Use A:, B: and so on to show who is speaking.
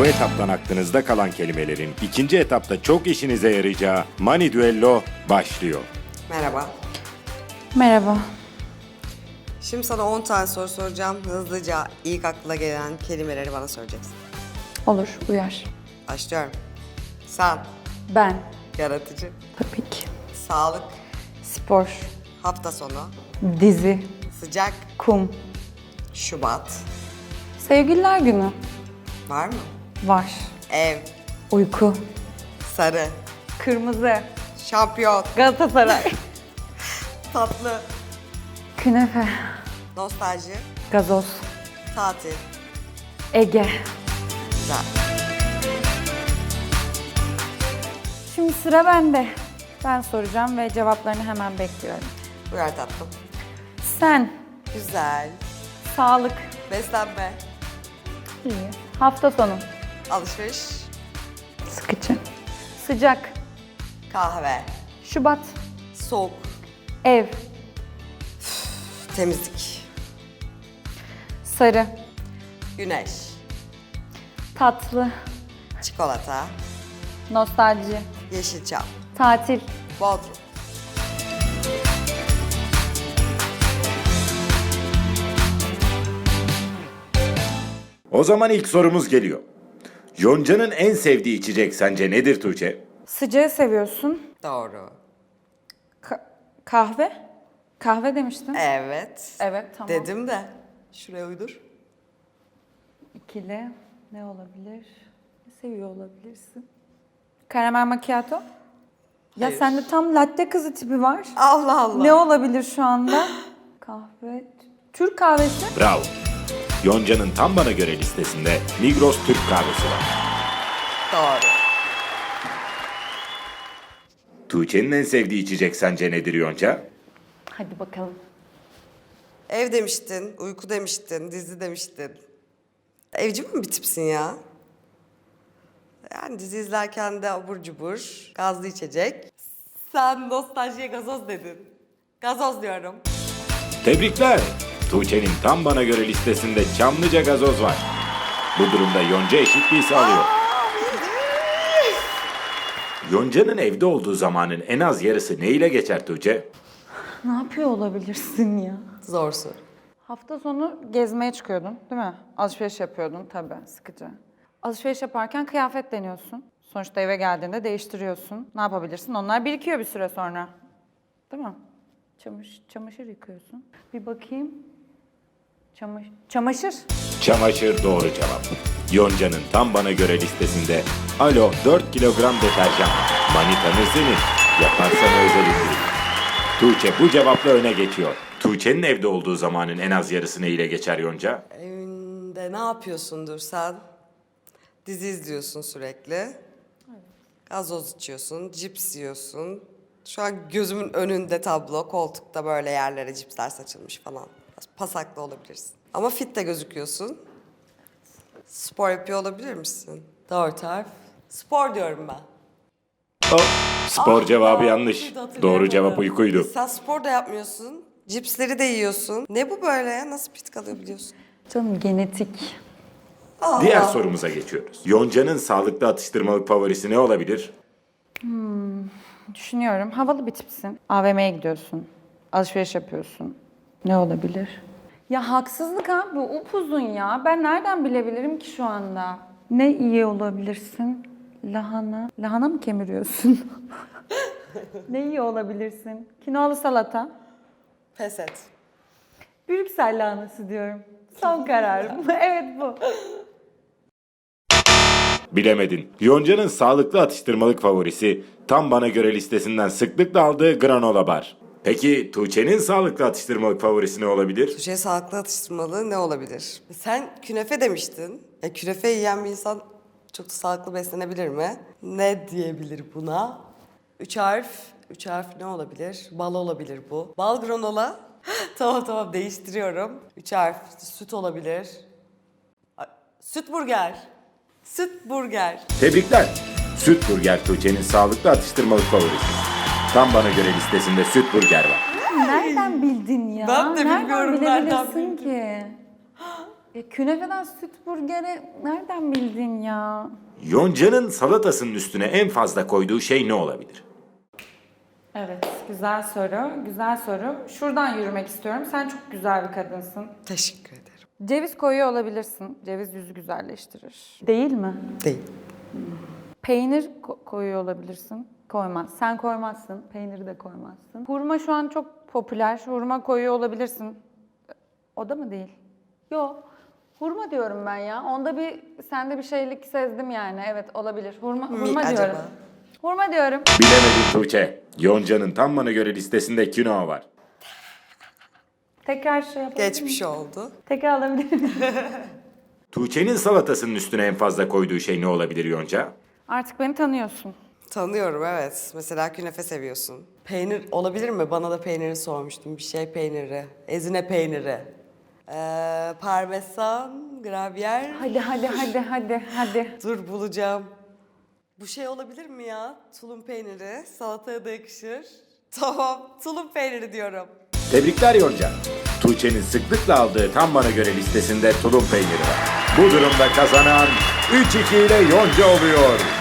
A: Bu etaptan aklınızda kalan kelimelerin ikinci etapta çok işinize yarayacağı Mani Düello başlıyor.
B: Merhaba.
C: Merhaba.
B: Şimdi sana 10 tane soru soracağım. Hızlıca ilk aklına gelen kelimeleri bana söyleyeceksin.
C: Olur, uyar.
B: Başlıyorum. Sen,
C: Ben.
B: yaratıcı,
C: Tabii ki.
B: sağlık,
C: Spor.
B: hafta sonu,
C: Dizi.
B: sıcak,
C: Kum.
B: Şubat.
C: Sevgililer günü.
B: Var mı?
C: Var.
B: Ev,
C: Uyku.
B: sarı,
C: Kırmızı.
B: şampiyon,
C: Galatasaray.
B: tatlı,
C: Künefe.
B: nostalji,
C: Gazoz.
B: tatil.
C: Ege.
B: Güzel.
C: Şimdi sıra bende. Ben soracağım ve cevaplarını hemen bekliyorum.
B: Buyur tatlım.
C: Sen.
B: Güzel.
C: Sağlık.
B: Beslenme,
C: İyi. Hafta sonu.
B: alışveriş,
C: Sıkıcı. Sıcak.
B: kahve,
C: Şubat.
B: soğuk,
C: Ev.
B: temizlik,
C: Sarı.
B: güneş,
C: Tatlı.
B: çikolata,
C: Nostalji.
B: yeşilçam,
C: Tatil.
B: bodrum.
A: O zaman ilk sorumuz geliyor. Yonca'nın en sevdiği içecek sence nedir Tuğçe?
C: Sıcağı seviyorsun.
B: Doğru.
C: Kahve? Kahve demiştin.
B: Evet.
C: Evet, tamam.
B: Dedim de. Şuraya uydur.
C: İkili. Ne olabilir? Ne seviyor olabilirsin? Karamel macchiato? Ya
B: Hayır.
C: sende tam latte kızı tipi var.
B: Allah Allah.
C: Ne olabilir şu anda? Kahve. Türk kahvesi.
A: Bravo. Yonca'nın tam bana göre listesinde Migros Türk kahvesi var.
B: Doğru.
A: Tuğçe'nin en sevdiği içecek sence nedir Yonca?
C: Hadi bakalım.
B: Ev demiştin, uyku demiştin, dizi demiştin. Evci mi bir tipsin ya? Yani dizi izlerken de abur cubur, gazlı içecek. Sen nostaljiye gazoz dedin. Gazoz diyorum.
A: Tebrikler. Tuğçe'nin tam bana göre listesinde Çamlıca gazoz var. Bu durumda Yonca eşitliği sağlıyor. Yonca'nın evde olduğu zamanın en az yarısı ne ile geçer Tuğçe?
C: Ne yapıyor olabilirsin ya?
B: Zor soru.
C: Hafta sonu gezmeye çıkıyordun, değil mi? Alışveriş yapıyordun tabii, sıkıcı. Alışveriş yaparken kıyafet deniyorsun. Sonuçta eve geldiğinde değiştiriyorsun. Ne yapabilirsin? Onlar birikiyor bir süre sonra. Değil mi? Çamaşır yıkıyorsun. Bir bakayım. Çamaşır.
A: Çamaşır doğru cevap. Yonca'nın tam bana göre listesinde Alo 4 kilogram deterjan. Manitanı senin. Yaparsan özel indirim. Tuğçe bu cevapla öne geçiyor. Tuğçe'nin evde olduğu zamanın en az yarısı ne ile geçer Yonca?
B: Evinde ne yapıyorsundur sen? Dizi izliyorsun sürekli. Gazoz içiyorsun, cips yiyorsun. Şu an gözümün önünde tablo, koltukta böyle yerlere cipsler saçılmış falan. Biraz pasaklı olabilirsin. Ama fit de gözüküyorsun. Spor yapıyor olabilir misin? Doğru tarif. Spor diyorum ben.
A: Spor cevabı
B: Aa,
A: yanlış.
B: uydu, hatırlayamadım.
A: Doğru cevap uykuydu.
B: Sen spor da yapmıyorsun. Cipsleri de yiyorsun. Ne bu böyle ya? Nasıl fit kalıyor biliyorsun?
C: Canım genetik.
A: Diğer sorumuza geçiyoruz. Yonca'nın sağlıklı atıştırmalık favorisi ne olabilir?
C: Düşünüyorum. Havalı bir tipsin. AVM'ye gidiyorsun. Alışveriş yapıyorsun. Ne olabilir? Ya haksızlık ha. Bu upuzun ya. Ben nereden bilebilirim ki şu anda? Ne iyi olabilirsin? Lahana. Lahana mı kemiriyorsun? Ne iyi olabilirsin? Kinoalı salata.
B: Pes et.
C: Brüksel lahanası diyorum. Son kararım. Evet bu.
A: Bilemedin. Yonca'nın sağlıklı atıştırmalık favorisi tam bana göre listesinden sıklıkla aldığı granola bar. Peki Tuğçe'nin sağlıklı atıştırmalık favorisi ne olabilir?
B: Tuğçe'ye sağlıklı atıştırmalığı ne olabilir? Sen künefe demiştin. Künefe yiyen bir insan çok da sağlıklı beslenebilir mi? Ne diyebilir buna? Üç harf. Üç harf ne olabilir? Bal olabilir bu. Bal granola. Tamam değiştiriyorum. Üç harf. Süt olabilir. Süt burger. Süt burger.
A: Tebrikler. Süt burger Tuğçe'nin sağlıklı atıştırmalık favorisi. Tam bana göre listesinde süt burger var.
C: Nereden bildin ya?
B: Ben de bilmiyorum, nereden
C: bilebilirsin
B: bildin?
C: ki? Ya künefeden süt burgere nereden bildin ya?
A: Yonca'nın salatasının üstüne en fazla koyduğu şey ne olabilir?
C: Evet, güzel soru, güzel soru. Şuradan yürümek istiyorum. Sen çok güzel bir kadınsın.
B: Teşekkür ederim.
C: Ceviz koyuyor olabilirsin. Ceviz yüzü güzelleştirir. Değil mi?
B: Değil.
C: Peynir koyuyor olabilirsin. Koymaz. Sen koymazsın. Peyniri de koymazsın. Hurma şu an çok popüler. Hurma koyuyor olabilirsin. O da mı değil? Yok. Hurma diyorum ben ya. Onda sende bir şeylik sezdim yani. Evet, olabilir. Hurma
B: acaba?
C: diyorum. Hurma diyorum.
A: Bilemedin Tuğçe. Yonca'nın tam bana göre listesinde kinoa var.
C: Tekrar şey yapalım.
B: Geçmiş oldu.
C: Tekrar alabilir miyim?
A: Tuğçe'nin salatasının üstüne en fazla koyduğu şey ne olabilir Yonca?
C: Artık beni tanıyorsun.
B: Tanıyorum, evet. Mesela künefe seviyorsun. Peynir olabilir mi? Bana da peyniri sormuştum. Bir şey peyniri. Ezine peyniri. Parmesan, gravyer.
C: Hadi.
B: Dur bulacağım. Bu şey olabilir mi ya? Tulum peyniri. Salataya da yakışır. Tamam, tulum peyniri diyorum.
A: Tebrikler Yonca. Tuğçe'nin sıklıkla aldığı tam bana göre listesinde tulum peyniri var. Bu durumda kazanan 3-2 ile Yonca oluyor.